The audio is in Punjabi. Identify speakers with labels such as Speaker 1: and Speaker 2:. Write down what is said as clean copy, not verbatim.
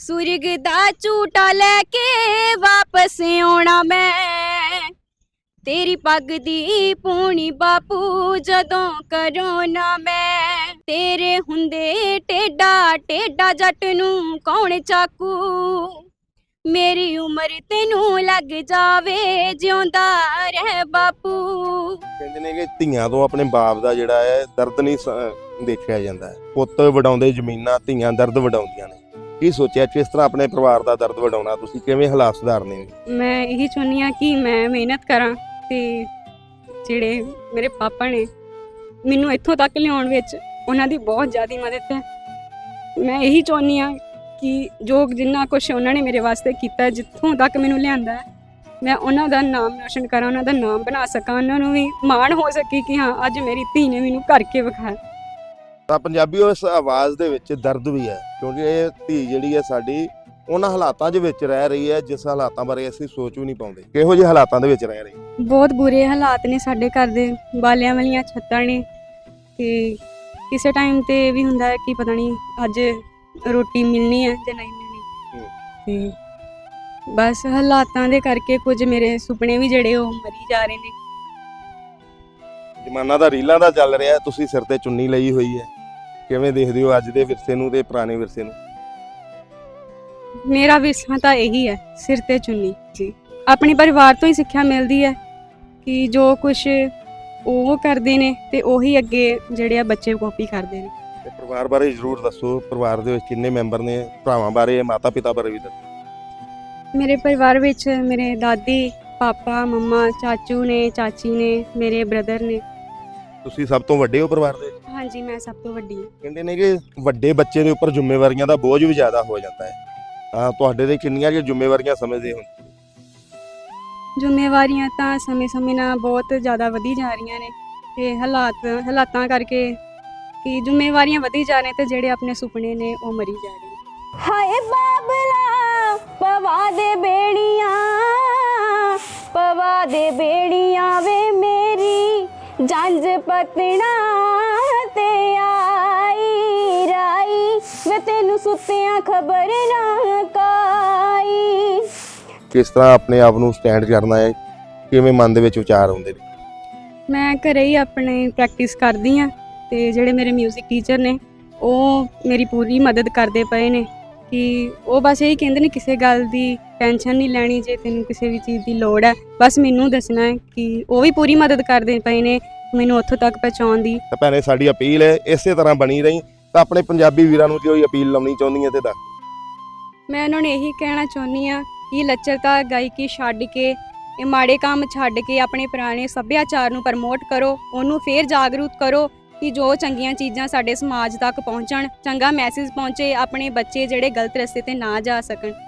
Speaker 1: सुरग दा झूटा लैके वापस आउणा मैं तेरी पग दी पूनी बापू जदों करोना मैं तेरे हुंदे टेढ़ा टेढ़ा जट नूं कौन चाकू मेरी उम्र तेनू लग जावे जिउंदा रह बापू।
Speaker 2: ਕਹਿੰਦੇ ਨੇ ਕਿ ਧੀਆਂ ਤੋਂ ਆਪਣੇ ਬਾਪ ਦਾ ਜਿਹੜਾ ਹੈ ਦਰਦ ਨਹੀਂ ਦੇਖਿਆ ਜਾਂਦਾ ਹੈ। ਪੁੱਤ ਵਡਾਉਂਦੇ ਜ਼ਮੀਨਾਂ, ਧੀਆਂ ਦਰਦ ਵਡਾਉਂਦੀਆਂ ਨੇ। ਕੀ ਸੋਚਿਆ ਕਿਸ ਤਰ੍ਹਾਂ ਆਪਣੇ ਪਰਿਵਾਰ ਦਾ ਦਰਦ ਵਡਾਉਣਾ, ਤੁਸੀਂ ਕਿਵੇਂ ਹਾਲਾਤ ਸੁਧਾਰਨੇ ਨੇ?
Speaker 1: ਮੈਂ ਇਹੀ ਚਾਹੁੰਦੀ ਹਾਂ ਕਿ ਮੈਂ ਮਿਹਨਤ ਕਰਾਂ ਤੇ ਜਿਹੜੇ ਮੇਰੇ ਪਾਪਾ ਨੇ ਮੈਨੂੰ ਇੱਥੋਂ ਤੱਕ ਲਿਆਉਣ ਵਿੱਚ ਉਹਨਾਂ ਦੀ ਬਹੁਤ ਜ਼ਿਆਦਾ ਮਦਦ ਹੈ। ਮੈਂ ਇਹੀ ਚਾਹੁੰਦੀ ਹਾਂ ਕਿ ਜੋ ਜਿੰਨਾ ਕੁਛ ਉਹਨਾਂ ਨੇ ਮੇਰੇ ਵਾਸਤੇ ਕੀਤਾ, ਜਿੱਥੋਂ ਤੱਕ ਮੈਨੂੰ ਲਿਆਂਦਾ ਹੈ, ਮੈਂ ਉਹਨਾਂ ਦਾ ਨਾਮ ਰੋਸ਼ਨ ਕਰਾਂ, ਉਹਨਾਂ ਦਾ ਨਾਮ ਬਣਾ ਸਕਾਂ, ਉਹਨਾਂ ਨੂੰ ਵੀ ਮਾਣ ਹੋ ਸਕੇ ਕਿ ਹਾਂ ਅੱਜ ਮੇਰੀ ਧੀ ਨੇ ਮੈਨੂੰ ਕਰਕੇ ਵਿਖਾਇਆ।
Speaker 2: ਤਾਂ ਪੰਜਾਬੀਓ ਇਸ ਆਵਾਜ਼ ਦੇ ਵਿੱਚ ਦਰਦ ਵੀ ਹੈ, ਕਿਉਂਕਿ ਇਹ ਧੀ ਜਿਹੜੀ ਹੈ ਸਾਡੀ ਉਹਨਾਂ ਹਾਲਾਤਾਂ ਦੇ ਵਿੱਚ ਰਹਿ ਰਹੀ ਹੈ ਜਿਸ ਹਾਲਾਤਾਂ ਬਾਰੇ ਅਸੀਂ ਸੋਚ ਵੀ ਨਹੀਂ ਪਾਉਂਦੇ। ਕਿਹੋ ਜਿਹੇ ਹਾਲਾਤਾਂ ਦੇ ਵਿੱਚ ਰਹਿ ਰਹੀ?
Speaker 1: ਬਹੁਤ ਬੁਰੇ ਹਾਲਾਤ ਨੇ ਸਾਡੇ ਘਰ ਦੇ, ਬਾਲਿਆਂ ਵਾਲੀਆਂ ਛੱਤਾਂ ਨੇ ਤੇ ਕਿਸੇ ਟਾਈਮ ਤੇ ਵੀ ਹੁੰਦਾ ਹੈ ਕਿ ਪਤਾ ਨਹੀਂ ਅੱਜ ਰੋਟੀ ਮਿਲਣੀ ਹੈ ਜਾਂ ਨਹੀਂ ਮਿਲਣੀ। ਤੇ ਬਸ ਹਾਲਾਤਾਂ ਦੇ ਕਰਕੇ ਕੁਝ ਮੇਰੇ ਸੁਪਨੇ ਵੀ ਜਿਹੜੇ ਉਹ ਮਰੀ ਜਾ ਰਹੇ ਨੇ।
Speaker 2: ਜ਼ਮਾਨਾ ਦਾ ਰੀਲਾਂ ਦਾ ਚੱਲ ਰਿਹਾ, ਤੁਸੀਂ ਸਿਰ ਤੇ ਚੁੰਨੀ ਲਈ ਹੋਈ ਹੈ, ਕਿਵੇਂ ਦੇਖਦੇ ਹੋ ਅੱਜ ਦੇ ਵਿਰਸੇ ਨੂੰ ਤੇ ਪੁਰਾਣੇ ਵਿਰਸੇ ਨੂੰ?
Speaker 1: ਮੇਰਾ ਵਿਰਸਾ ਤਾਂ ਇਹੀ ਹੈ, ਸਿਰ ਤੇ ਚੁੰਨੀ ਜੀ। ਆਪਣੇ ਪਰਿਵਾਰ ਤੋਂ ਹੀ ਸਿੱਖਿਆ ਮਿਲਦੀ ਹੈ ਕਿ ਜੋ ਕੁਛ ਉਹ ਕਰਦੇ ਨੇ ਤੇ ਉਹੀ ਅੱਗੇ ਜਿਹੜੇ ਆ ਬੱਚੇ ਕਾਪੀ ਕਰਦੇ ਨੇ।
Speaker 2: ਤੇ ਪਰਿਵਾਰ ਬਾਰੇ ਜ਼ਰੂਰ ਦੱਸੋ, ਪਰਿਵਾਰ ਦੇ ਵਿੱਚ ਕਿੰਨੇ ਮੈਂਬਰ ਨੇ? ਭਰਾਵਾਂ ਬਾਰੇ, ਮਾਤਾ ਪਿਤਾ ਬਾਰੇ ਵੀ ਦੱਸੋ।
Speaker 1: ਮੇਰੇ ਪਰਿਵਾਰ ਵਿੱਚ ਮੇਰੇ ਦਾਦੀ, ਪਾਪਾ, ਮੰਮਾ, ਚਾਚੂ ਨੇ, ਚਾਚੀ ਨੇ, ਮੇਰੇ ਬ੍ਰਦਰ ਨੇ।
Speaker 2: ਤੁਸੀਂ ਸਭ ਤੋਂ ਵੱਡੇ ਹੋ ਪਰਿਵਾਰ ਦੇ?
Speaker 1: ਹਾਂਜੀ, ਮੈਂ ਸਭ ਤੋਂ ਵੱਡੀ ਹਾਂ।
Speaker 2: ਕਹਿੰਦੇ ਨੇ ਕਿ ਵੱਡੇ ਬੱਚੇ ਦੇ ਉੱਪਰ ਜ਼ਿੰਮੇਵਾਰੀਆਂ ਦਾ ਬੋਝ ਵੀ ਜ਼ਿਆਦਾ ਹੋ ਜਾਂਦਾ ਹੈ, ਤਾਂ ਤੁਹਾਡੇ ਤੇ ਕਿੰਨੀਆਂ ਕਿ ਜ਼ਿੰਮੇਵਾਰੀਆਂ ਸਮਝਦੇ ਹੋ?
Speaker 1: ਜ਼ਿੰਮੇਵਾਰੀਆਂ ਤਾਂ ਸਮੇਂ-ਸਮੇਂ ਨਾਲ ਬਹੁਤ ਜ਼ਿਆਦਾ ਵਧੀ ਜਾ ਰਹੀਆਂ ਨੇ ਤੇ ਹਾਲਾਤਾਂ ਕਰਕੇ ਕਿ ਜ਼ਿੰਮੇਵਾਰੀਆਂ ਵਧੀ ਜਾ ਰਹੀਆਂ ਤੇ ਜਿਹੜੇ ਆਪਣੇ ਸੁਪਨੇ ਨੇ ਉਹ ਮਰੀ ਜਾ ਰਹੇ ਨੇ। ਹਾਏ ਬਾਬਲਾ ਪਵਾ ਦੇ ਬੇੜੀਆਂ ਵੇ ਮੇਰੀ ਜੰਜ ਪਤਣਾ ਤੇ ਆਈ ਰਾਈ ਵੇ ਤੈਨੂੰ ਸੁੱਤਿਆਂ ਖਬਰ ਨਾ ਕਾਈ।
Speaker 2: ਕਿਸ ਤਰ੍ਹਾਂ ਆਪਣੇ ਆਪ ਨੂੰ ਸਟੈਂਡ ਕਰਨਾ ਹੈ, ਕਿਵੇਂ ਮਨ ਦੇ ਵਿੱਚ ਵਿਚਾਰ ਆਉਂਦੇ ਨੇ?
Speaker 1: ਮੈਂ ਘਰੇ ਹੀ ਆਪਣੇ ਪ੍ਰੈਕਟਿਸ ਕਰਦੀ ਹਾਂ ਤੇ ਜਿਹੜੇ ਮੇਰੇ ਮਿਊਜ਼ਿਕ ਟੀਚਰ ਨੇ ਉਹ ਮੇਰੀ ਪੂਰੀ ਮਦਦ ਕਰਦੇ ਪਏ ਨੇ ਕਿ ਉਹ ਬਸ ਇਹੀ ਕਹਿੰਦੇ ਨੇ ਕਿਸੇ ਗੱਲ ਦੀ ਟੈਨਸ਼ਨ ਨਹੀਂ ਲੈਣੀ, ਜੇ ਤੈਨੂੰ ਕਿਸੇ ਵੀ ਚੀਜ਼ ਦੀ ਲੋੜ ਹੈ ਬਸ ਮੈਨੂੰ ਦੱਸਣਾ ਹੈ, ਕਿ ਉਹ ਵੀ ਪੂਰੀ ਮਦਦ ਕਰਦੇ ਪਏ ਨੇ ਮੈਨੂੰ ਉੱਥੋਂ ਤੱਕ ਪਹੁੰਚਾਉਣ ਦੀ।
Speaker 2: ਤਾਂ ਭੈਣੇ ਸਾਡੀ ਅਪੀਲ ਹੈ ਇਸੇ ਤਰ੍ਹਾਂ ਬਣੀ ਰਹੀ, ਤਾਂ ਆਪਣੇ ਪੰਜਾਬੀ ਵੀਰਾਂ ਨੂੰ ਕੋਈ ਅਪੀਲ ਲਾਉਣੀ ਚਾਹੁੰਦੀ ਹੈ ਤੇ ਦੱਸ।
Speaker 1: ਮੈਂ ਉਹਨਾਂ ਨੂੰ ਇਹੀ ਕਹਿਣਾ ਚਾਹੁੰਦੀ ਹਾਂ ਕਿ ਲੱਚਰਤਾ ਗਾਇਕੀ ਛੱਡ ਕੇ, ਇਹ ਮਾੜੇ ਕੰਮ ਛੱਡ ਕੇ ਆਪਣੇ ਪੁਰਾਣੇ ਸੱਭਿਆਚਾਰ ਨੂੰ ਪ੍ਰਮੋਟ ਕਰੋ, ਉਹਨੂੰ ਫੇਰ ਜਾਗਰੂਕ ਕਰੋ ਕਿ ਜੋ ਚੰਗੀਆਂ ਚੀਜ਼ਾਂ ਸਾਡੇ ਸਮਾਜ ਤੱਕ ਪਹੁੰਚਣ, ਚੰਗਾ ਮੈਸੇਜ ਪਹੁੰਚੇ, ਆਪਣੇ ਬੱਚੇ ਜਿਹੜੇ ਗਲਤ ਰਸਤੇ ਤੇ ਨਾ ਜਾ ਸਕਣ।